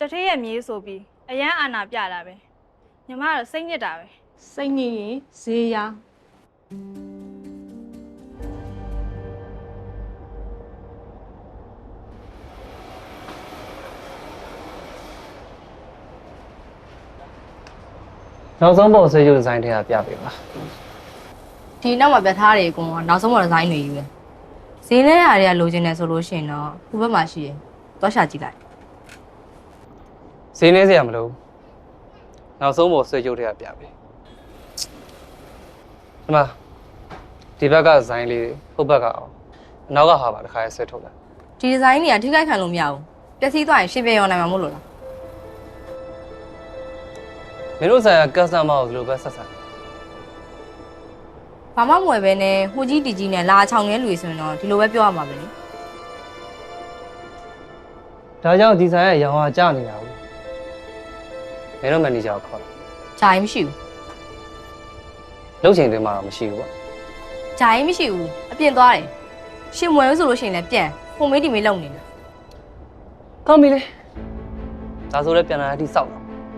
ထေးရဲ့မြေးဆိုပြီးအရန်အာနာပြတာပဲညီမကတော့စိတ်ညစ်တာပဲစိတ်ညစ်ရင်ဈေးရနောက်ဆုံးပုံဆွေးရုပ်ဒီဇိုင်းတွေကပြပေးပါဒီနောက်မှာပြထားတယ်ကွန်နောက်ဆုံးပေါ်ဒီဇိုင်းတွေယူတယ်ဈေးလဲရတွေကလိုချင်တယ်ဆိုလို့ရှိရင်တော့ခုဘက်မှာရှိရယ်သွားရှာကြည့်လိုက်ဈေးနေစရာမလိုနောက်ဆုံးပုံဆွေးရုပ်တွေကပြပေးဒီမှာဒီဘက်ကဒီဇိုင်းလေးဟိုဘက်ကအောင်အနောက်ကဟာပါတစ်ခါဆွဲထုတ်လိုက်ဒီဒီဇိုင်းတွေကထိခိုက်ခံလို့မရဘူးပျက်စီးသွားရင်ရှင်းပြရောနိုင်မှာမဟုတ်လို့လားမင်းတို့ဆိုင်ရာကတ်စတမာကိုဒီလိုပဲဆက်ဆံဘာမှမဝယ်ပဲနဲ့ဟိုကြီးတီကြီးနဲ့လာချောင်းနေလူဆိုရင်တော့ဒီလိုပဲပြောရမှာပဲလေဒါကြောင့်ဒီဆိုင်ရဲ့ရောင်ဟာကျနေတာဘူးမင်းတို့မန်နေဂျာကိုခေါ်ဂျာရင်မရှိဘူးလုပ်ချိန်တွေမှာမရှိဘူးပေါ့ဂျာရင်မရှိဘူးအပြင်သွားတယ်ရှင်မွယ်လို့ဆိုလို့ရှိရင်လည်းပြန်ဟိုမေးတီမေးလုံနေတာကောင်းပြီလေဒါဆိုလည်းပြန်လာတဲ့အထိစောက်တော့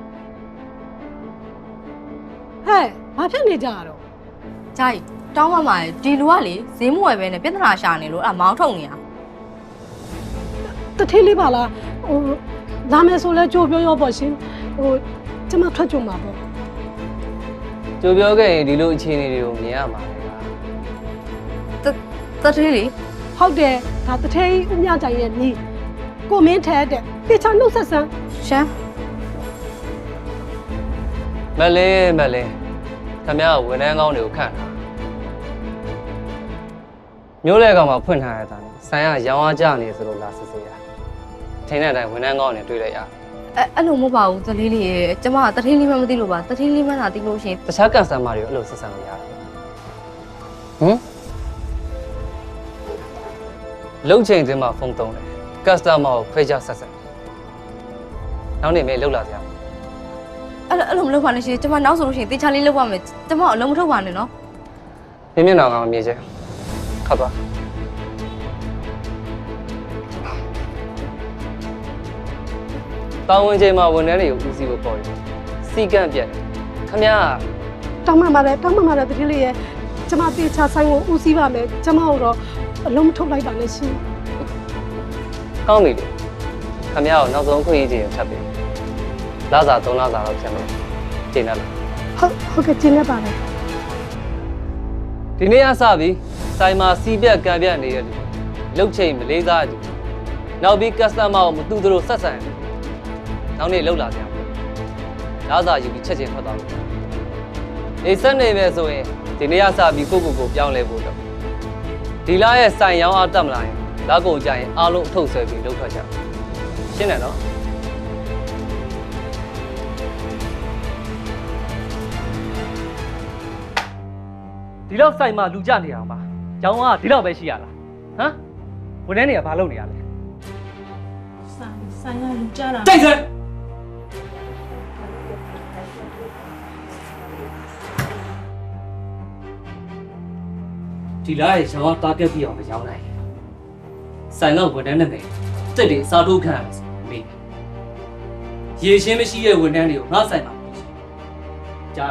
ဟဲ့ဘာဖြစ်နေကြတော့ဂျာရင်တောင်းမှမှာဒီလူကလေဈေးမဝယ်ပဲနဲ့ပြဿနာရှာနေလို့အဲ့မောင်းထုတ်နေတာတထေးလေးပါလားဟိုလာမယ်ဆိုလဲကြိုးပြောရောပေါ့ရှင်ဟိုကျမထွက်ကြုံမှာပေါ့ကြိုပြောခဲ့ရင်ဒီလိုအခြေအနေတွေကိုမြင်ရမှာလေတထေးလေဟုတ်တယ်ဒါတထေးဦးမြကြိုင်ရဲ့နီးကိုမင်းထဲတဲ့တေချာနှုတ်ဆက်ဆန်းရှမ်းမလဲခမရဝန်ထမ်းကောင်းတွေကိုခန့်တာမျိုးလဲကောင်မှာဖွင့်ထားရတာဆိုင်ကရောင်းအားကြနေဆိုလို့လာစစ်စစ်ရထင်းတဲ့အတိုင်းဝန်ထမ်းကောင်းတွေတွေ့လိုက်ရအဲ့လိုမဟုတ်ပါဘူးတထေးလေးရေကျမတထေးလေးမှမသိလို့ပါတထေးလေးမှသာသိလို့ရှိရင်တခြားကန်ဆာမာတွေကိုအဲ့လိုဆက်ဆံလို့ရတယ်လုံချိန်တင်းမှာဖုန်းသုံးတယ်ကတ်စတမာကိုခွဲခြားဆက်နောက်နေမေးလှုပ်လာစရာအဲ့လိုမလုပ်ပါနဲ့ရှင်ကျမနောက်ဆိုလို့ရှိရင်တေချာလေးလုပ်ပါမယ်ကျမအလုံးမထုတ်ပါနဲ့နော်မြင်မျက်နှာကမမြင်ချင်ခတ်သွားတောင်းဝင်ချိန်မှာဝန်ထမ်းတွေကိုဦးစီးဖို့ပေါ်တယ်စီကန့်ပြတ်ခမရတောင်းမှမှာလဲတထေးလေးရဲ့ကျမတေချာဆိုင်ကိုဦးစီးပါမယ်ကျမတို့တော့အလုံးမထုတ်လိုက်ပါနဲ့ရှင်ကောင်းပြီလေခမရကိုနောက်ဆုံးခွင့်ရေးချိန်ထပ်ပြီလစာ3လစာတော့ဖြစ်မယ်ကျင်းရလားဟုတ်ကဲ့ကျင်းရပါတယ်ဒီနေ့အစပြီဆိုင်မှာစီးပြက်ကံပြတ်နေတဲ့လူလုတ်ချိန်မလေးစားသူနောက်ပြီး customer ကိုမတူသူတို့ဆက်ဆံနောက်နေ့လောက်လာကြလစာယူပြီးချက်ချင်းထွက်သွားလို့နေဆက်နေပဲဆိုရင်ဒီနေ့အစပြီးကိုပြောင်းလဲဖို့တော့ဒီလားရဲ့ဆိုင်ရောင်းအားတက်မလာရင်လက်ကုန်ကြရင်အားလုံးအထုတ်ဆွဲပြီးလှုပ်ထွက်ကြရှင်းတယ်နော်ဒီလောက်ဆိုင်မှာလူကြနေအောင်ပါကျောင်းကဒီလောက်ပဲရှိရလားဟမ်ဝန်ထမ်းတွေကဘာလုပ်နေရလဲဆိုင်ကလူကြတာတိုက်စမ်းဒီလားရဲ့ရောင်းတားပြက်ပြအောင်မရောင်းနိုင်ဆိုင်ကဝန်ထမ်းနဲ့ပဲတက်တယ်စားထုတ်ခံရမယ်မေးရေရှင်းမရှိတဲ့ဝန်ထမ်းတွေကိုငါဆိုင်မှာကြား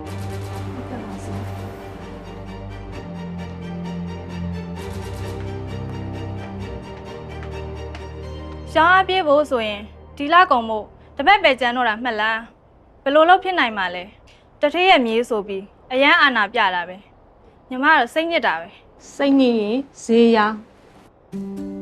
ရှောင်းအားပြေးဖို့ဆိုရင်ဒီလကုံမို့တပတ်ပဲကျန်တော့တာမှတ်လားဘယ်လိုလုပ်ဖြစ်နိုင်မှာလဲတထေးရဲ့မြေးဆိုပြီးအရန်အာနာပြတာပဲညီမကတော့စိတ်ညစ်တာပဲစိတ်ညစ်ရင်ဈေးရ